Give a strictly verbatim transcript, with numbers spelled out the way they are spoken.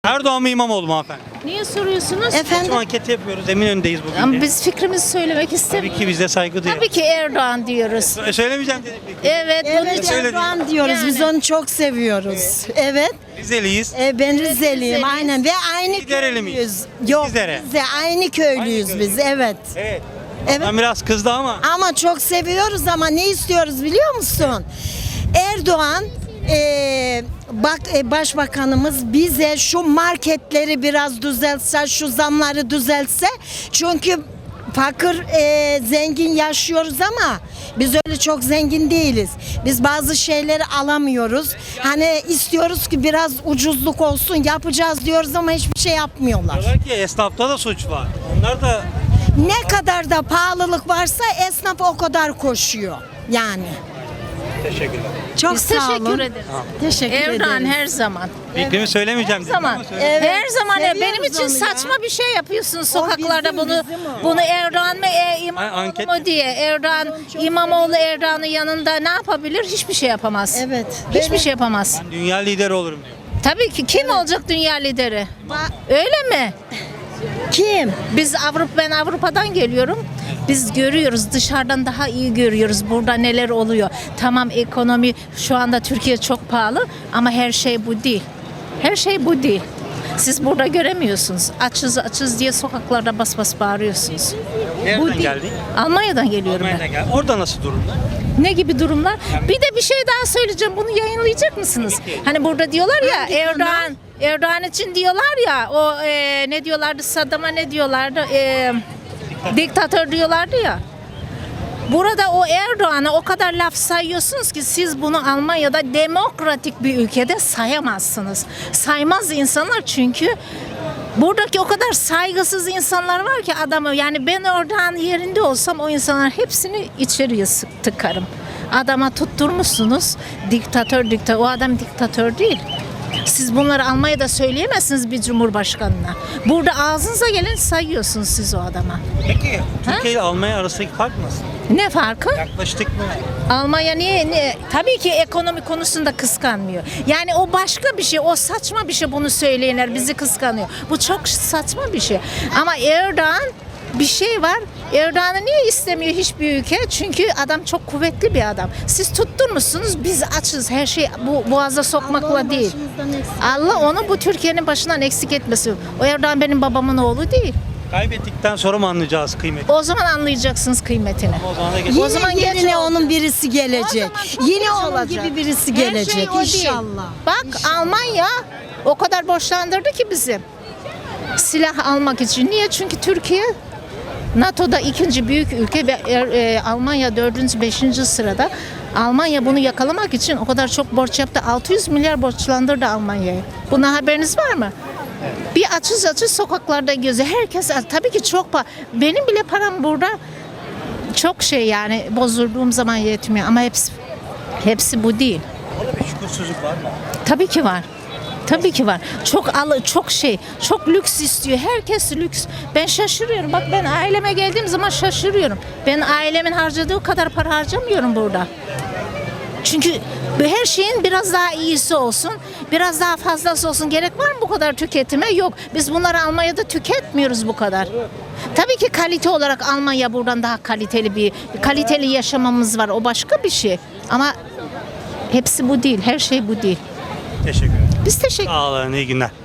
Erdoğan mı İmamoğlu mu hanımefendi? Niye soruyorsunuz? Şu anketi yapıyoruz. Eminönü'ndeyiz bugün. Ama de. biz fikrimizi söylemek istemiyoruz. Tabii ki bize saygı duyuyoruz. Tabii ki Erdoğan diyoruz. Sö- Söylemeyeceğim dedik. peki. Evet, bunun Evet, için. Öyle Erdoğan diyoruz. Biz Yani. onu çok seviyoruz. Evet. Rizeliyiz. E, ben Rizeliyim Rizeliyiz. aynen ve aynı Lidereli miyiz? köylüyüz. Yok Lizere. biz de aynı köylüyüz Aynı biz. köylü. Evet. Evet. Evet. Ben biraz kızdı ama. Ama çok seviyoruz ama ne istiyoruz biliyor musun? Erdoğan e, bak e, başbakanımız bize şu marketleri biraz düzeltse, şu zamları düzeltse. Çünkü fakir e, zengin yaşıyoruz ama biz öyle çok zengin değiliz. Biz bazı şeyleri alamıyoruz. Hani istiyoruz ki biraz ucuzluk olsun, yapacağız diyoruz ama hiçbir şey yapmıyorlar. Diyorlar ki esnafta da suç var. Onlar da Ne kadar da pahalılık varsa esnaf o kadar koşuyor. Yani. teşekkürler. Çok Biz sağ teşekkür olun. ederiz. Teşekkür Erdoğan ederim. her zaman. Fikrimi söylemeyeceğim Her dedim zaman. ama söyledim. Evet, Her zaman ya seviyoruz benim için onu ya. saçma bir şey yapıyorsun sokaklarda bizim, bunu. bizim o. Bunu Erdoğan mı e, Ay, İmamoğlu anket- mu diye. Erdoğan İmamoğlu Erdoğan'ın yanında ne yapabilir? Hiçbir şey yapamaz. Evet. Hiçbir Benim- şey yapamaz. Ben dünya lideri olurum diyor. Tabii ki kim olacak dünya lideri? Öyle mi? Kim? Biz Avrupa ben Avrupa'dan geliyorum. Biz görüyoruz dışarıdan daha iyi görüyoruz burada neler oluyor. Tamam ekonomi şu anda Türkiye çok pahalı ama her şey bu değil. Her şey bu değil. Siz burada göremiyorsunuz. Açız açız diye sokaklarda bas bas bağırıyorsunuz. Nereden bu değil. geldin? Almanya'dan geliyorum Almanya'dan ben. gel. Orada nasıl durumlar? Ne gibi durumlar? Bir de bir şey daha söyleyeceğim. Bunu yayınlayacak mısınız? Hani burada diyorlar ya Hangi Erdoğan Erdoğan için diyorlar ya o e, ne diyorlardı Saddam'a ne diyorlardı? E, diktatör diyorlardı ya. Burada o Erdoğan'a o kadar laf sayıyorsunuz ki siz bunu Almanya'da demokratik bir ülkede sayamazsınız. Saymaz insanlar çünkü buradaki o kadar saygısız insanlar var ki adamı yani ben Erdoğan yerinde olsam o insanlar hepsini içeriye sık- tıkarım. Adama tutturmuşsunuz diktatör diktatör o adam diktatör değil. Siz bunları Almanya'da söyleyemezsiniz bir cumhurbaşkanına. Burada ağzınıza gelen sayıyorsunuz siz o adama. Peki Türkiye ile Almanya arasındaki fark nasıl? Ne farkı? Yaklaştık mı? Almanya niye, niye? Tabii ki ekonomi konusunda kıskanmıyor. Yani o başka bir şey, o saçma bir şey bunu söyleyenler bizi kıskanıyor. Bu çok saçma bir şey. Ama Erdoğan bir şey var. Erdoğan'ı niye istemiyor hiçbir ülke? Çünkü adam çok kuvvetli bir adam. Siz tutturmuşsunuz, biz açız. Her şey bu boğaza sokmakla değil. Allah onu bu Türkiye'nin başından eksik etmesin. O Erdoğan benim babamın oğlu değil. Kaybettikten sonra mı anlayacağız kıymeti? O zaman anlayacaksınız kıymetini. O zaman da geç. Yine O zaman geç yerine oldu. onun birisi gelecek. O zaman çok Yine geç onun olacak. gibi birisi Her şey gelecek o değil. inşallah. Bak Almanya o kadar borçlandırdı ki bizi. Silah almak için. Niye? Çünkü Türkiye NATO'da ikinci büyük ülke ve er- e, Almanya dördüncü, beşinci sırada. Almanya bunu yakalamak için o kadar çok borç yaptı. altı yüz milyar borçlandırdı Almanya'yı. Buna haberiniz var mı? Bir açız açız sokaklarda gözü. Herkes tabii ki çok pa. Benim bile param burada çok şey yani bozulduğum zaman yetmiyor ama hepsi hepsi bu değil. Orada bir şükürsüzlük var mı? Tabii ki var. Tabii ki var. Çok alı, çok şey, çok lüks istiyor. Herkes lüks. Ben şaşırıyorum. Bak ben aileme geldiğim zaman şaşırıyorum. Ben ailemin harcadığı kadar para harcamıyorum burada. Çünkü her şeyin biraz daha iyisi olsun, biraz daha fazlası olsun. Gerek var mı bu kadar tüketime? Yok. Biz bunları Almanya'da tüketmiyoruz bu kadar. Tabii ki kalite olarak Almanya buradan daha kaliteli bir, kaliteli yaşamamız var. O başka bir şey. Ama hepsi bu değil. Her şey bu değil. Teşekkür ederim. Biz teşekkür Sağ olun, iyi günler.